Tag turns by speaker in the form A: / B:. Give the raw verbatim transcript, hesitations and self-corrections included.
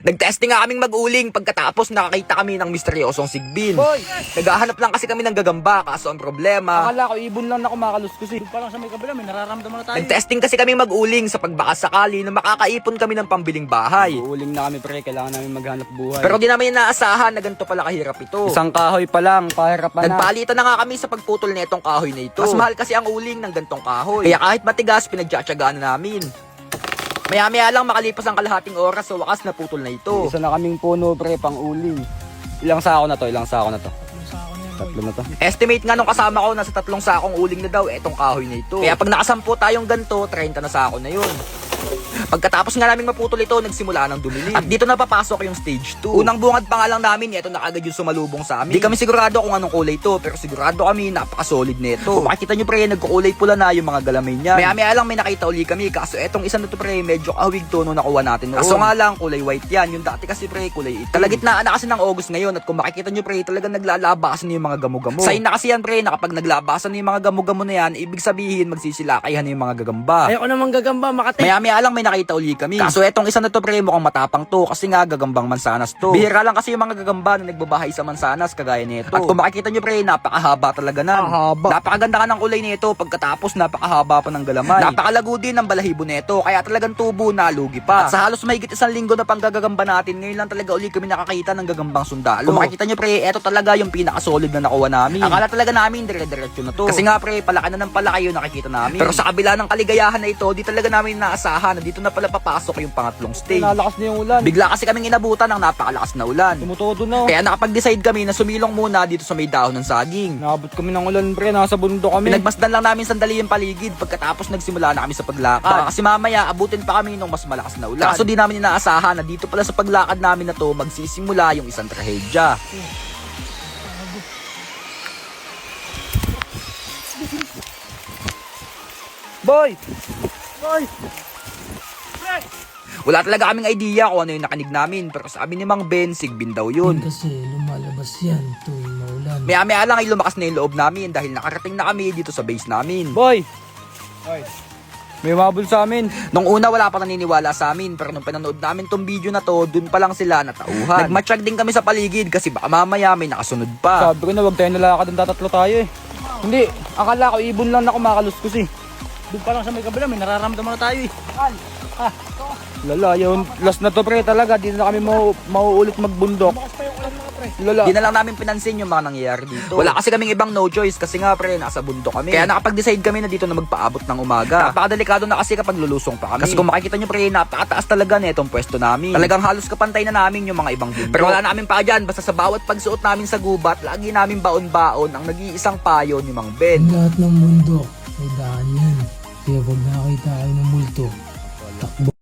A: Nag-testing nga kaming mag-uling pagkatapos nakakita kami ng misteryosong sigbin.
B: Boy!
A: Naghahanap lang kasi kami ng gagamba kaso ang problema.
B: Akala ko ibon lang na kumakaluskos eh. Doon pa lang sa may kabila, may nararamdaman na tayo.
A: Nag-testing kasi kami mag-uling sa pagbaka sakali na makakaipon kami ng pambiling bahay.
B: Uuling na kami pre, kailangan namin maghanap buhay.
A: Pero di namin inaasahan na ganito pala kahirap ito.
B: isang kahoy pa lang, pahirapan na.
A: Nagpalitan na nga kami sa pagputol na itong kahoy na ito. Mas mahal kasi ang uling ng gantong kahoy. Kaya kahit matigas, pinagtsatsagaan na namin. Maya-maya lang makalipas ang kalahating oras sa wakas na putol na ito.
B: Isa na kaming puno pre, pang uling. Ilang sako na to, ilang sako na to. Tatlo na to.
A: Estimate nga nung kasama ko nasa tatlong sakong uling na daw etong kahoy na ito. Kaya pag nakasampu tayong ganto, thirty na sako na yun. Pagkatapos nga naming maputol ito, nagsimula ng dumilim. At dito na papasok yung stage two. Unang bungad pa nga lang namin, ito na agad yung sumalubong sa amin. Di kami sigurado kung anong kulay ito, pero sigurado kami napaka-solid nito. Kung makikita nyo pre, nagkukulay pula na yung mga galamay niya. Maya-maya lang may nakita uli kami, kaso etong isa na to pre, medyo kahawig to nung nakuha natin noon. Kaso nga lang, kulay white yan. Yung dati kasi pre, kulay itim. Kalagitnaan na kasi ng August ngayon, at kung makikita nyo pre, talagang naglalabasan na yung mga gamo-gamo. Sign na kasi yan pre, na kapag naglabasan na yung mga gamo-gamo na yan, ibig sabihin magsisilakayan na yung mga gagamba.
B: Ayoko naman gagamba, makati.
A: Maya-maya lang may nakita uli kami. Kaso etong isa na to pre, mukhang matapang to kasi nga gagambang mansanas to. Bihira lang kasi yung mga gagamba na nagbabahay sa mansanas kagaya nito. At kung makikita nyo pre, napakahaba talaga nan.
B: Haba.
A: Napakaganda ka ng kulay nito pagkatapos napakahaba pa ng galamay. Napakalago din ng balahibo nito kaya talagang tubo na lugi pa. At sa halos mahigit isang linggo na panggagagamba natin, ngayon lang talaga uli kami nakakita ng gagambang sundalo. Kung makikita nyo pre, eto talaga yung pinaka-solid na nakuha namin. Akala talaga namin dire-diretso na to. Kasi nga pre, palaki na ng palaki yung nakikita namin. Pero sa kabila ng kaligayahan na ito, di talaga namin naasahan na dito na pala papasok yung pangatlong stage.
B: Nalakas na yung ulan.
A: Bigla kasi kaming inabutan ng napakalakas na ulan.
B: Tumutodo na.
A: Kaya nakapag-decide kami na sumilong muna dito sa may dahon ng saging.
B: Naabot kami ng ulan pre, nasa bundok kami.
A: Pinagmasdan lang namin sandali yung paligid pagkatapos nagsimula na kami sa paglakad. Baka kasi mamaya abutin pa kami ng mas malakas na ulan. Kaso di namin inaasahan na dito pala sa paglakad namin na to magsisimula yung isang trahedya.
B: Boy! Boy!
A: Wala talaga kaming idea kung ano yung nakanig namin, pero sabi ni Mang Ben, sigbin daw yun.
C: Kasi lumalabas yan tuwing maulan.
A: Maya-maya lang ay lumakas na yung loob namin dahil nakarating na kami dito sa base namin.
B: Boy! Boy! May mabul sa amin.
A: Nung una wala pa naniniwala sa amin, pero nung pinanood namin tong video na to, dun pa lang sila natauhan. Nagmatsyag din kami sa paligid kasi baka mamaya may nakasunod pa.
B: Sabi ko na wag tayo nalakad, ang tatatlo tayo eh. Hindi, akala ko ibon lang na kumakaluskos eh. Doon pa lang sa may kabila, may nararamdaman na tayo eh. Ha? Lala, yung last na to pre talaga, di na kami mau mauulit magbundok. Lala.
A: Di na lang namin pinansin yung mga nangyayari dito. Wala kasi kaming ibang no choice kasi nga pre, nasa bundok kami. Kaya nakapag-decide kami na dito na magpaabot ng umaga. Napakadelikado na kasi kapag lulusong pa kami. Kasi kung makikita nyo pre, napakataas talaga na itong pwesto namin. Talagang halos kapantay na namin yung mga ibang bundok. Pero wala namin pa dyan, basta sa bawat pagsuot namin sa gubat, lagi namin baon-baon ang nag-iisang payo ni Mang Ben.
C: Ang lahat ng bundok may daan yan. Kaya pag nakakita kayo ng multo, takbo.